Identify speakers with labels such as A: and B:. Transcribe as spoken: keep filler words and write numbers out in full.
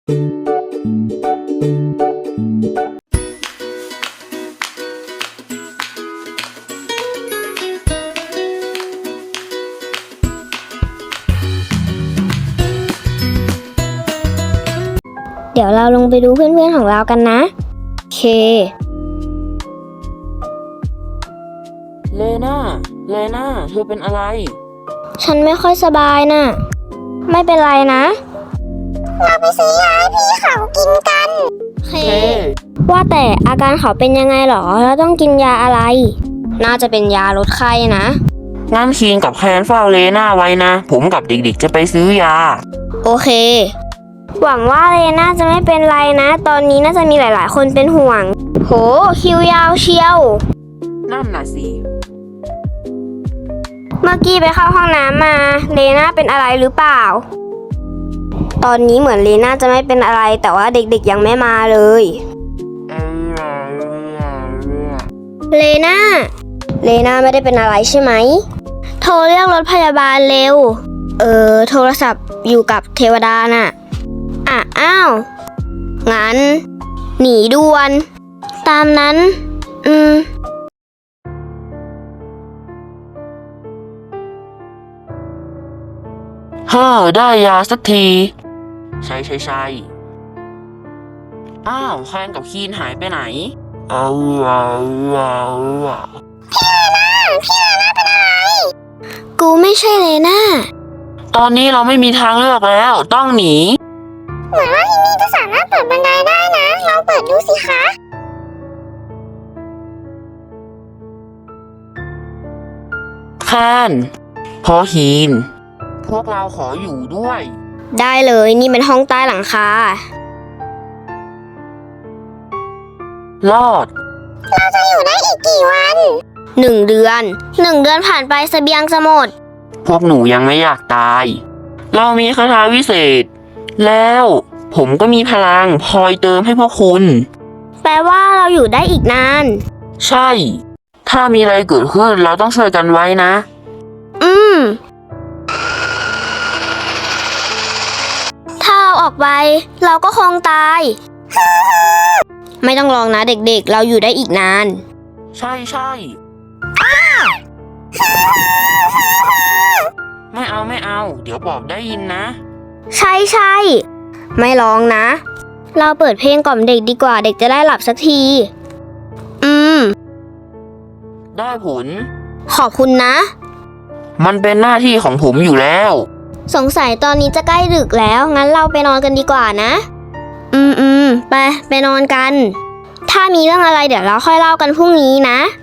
A: เดี๋ยวเราลงไปดูเพื่อนๆของเรากันนะเค
B: เลน่า เลน่า เธอเป็นอะไร
A: ฉันไม่ค่อยสบายน่ะ ไม่เป็นไรนะ เราไปซื้อยาให้พี่เขากินกันเค ว่าแต่อาการเขาเป็นยังไงหรอแล้วต้องกินยาอะไร น่าจะเป็นยาลดไข้นะ
B: งั้นคีนกับแคนเฝ้าเลน่าไว้นะ ผมกับเด็กๆจะไปซื้อยา
A: โอเคหวังว่าเลน่าจะไม่เป็นไรนะ ตอนนี้น่าจะมีหลายๆคนเป็นห่วงโหคิวยาวเชียว
B: นั่นน่ะสิ
A: เมื่อกี้ไปเข้าห้องน้ำมาเลน่าเป็นอะไรหรือเปล่าตอนนี้เหมือนเลน่าจะไม่เป็นอะไรแต่ว่าเด็กๆยังไม่มาเลยเลน่าเลน่าไม่ได้เป็นอะไรใช่ไหมโทรเรียกรถพยาบาลเร็วเออโทรศัพท์อยู่กับเทวดาน่ะอ่ะอ้าวงั้นหนีด่วนตามนั้นอืม
B: เฮ้อได้ยาสักที ใช่ใช่ใช่อ้าวแคนกับคีนหายไปไหนเอาเอาเอา
A: พี่เลน่าพี่เลน่าเป็นอะไรกูไม่ใช่เลน่า
B: ตอนนี้เราไม่มีทางเลือกแล้วต้องหนี
A: เหมือนว่าที่นี่จะสามารถเปิดบันไดได้นะลองเปิดดูสิคะ
B: แคนพอคีนพวกเราขออยู่ด้วย
A: ได้เลยนี่เป็นห้องใต้หลังคา
B: รอด
A: เราจะอยู่ได้อีกกี่วันหนึ่งเดือนหนึ่งเดือนผ่านไปเสบียงจะหมด
B: พวกหนูยังไม่อยากตายเรามีคาถาวิเศษแล้วผมก็มีพลังคอยเติมให้พวกคุณ
A: แปลว่าเราอยู่ได้อีกนาน
B: ใช่ถ้ามีอะไรเกิดขึ้นเราต้องช่วยกันไว้นะ
A: อืมถ้าเราออกไปเราก็คงตายไม่ต้องลองนะเด็กๆเราอยู่ได้อีกนาน
B: ใช่ใช่ไม่เอาไม่เอาเดี๋ยวบอกได้ยินนะ
A: ใช่ใช่ไม่ร้องนะเราเปิดเพลงกล่อมเด็กดีกว่าเด็กจะได้หลับสักทีอืม
B: ได้ผล
A: ขอบคุณนะ
B: มันเป็นหน้าที่ของผมอยู่แล้ว
A: สงสัยตอนนี้จะใกล้ดึกแล้วงั้นเราไปนอนกันดีกว่านะอืมอืมไปไปนอนกันถ้ามีเรื่องอะไรเดี๋ยวเราค่อยเล่ากันพรุ่งนี้นะ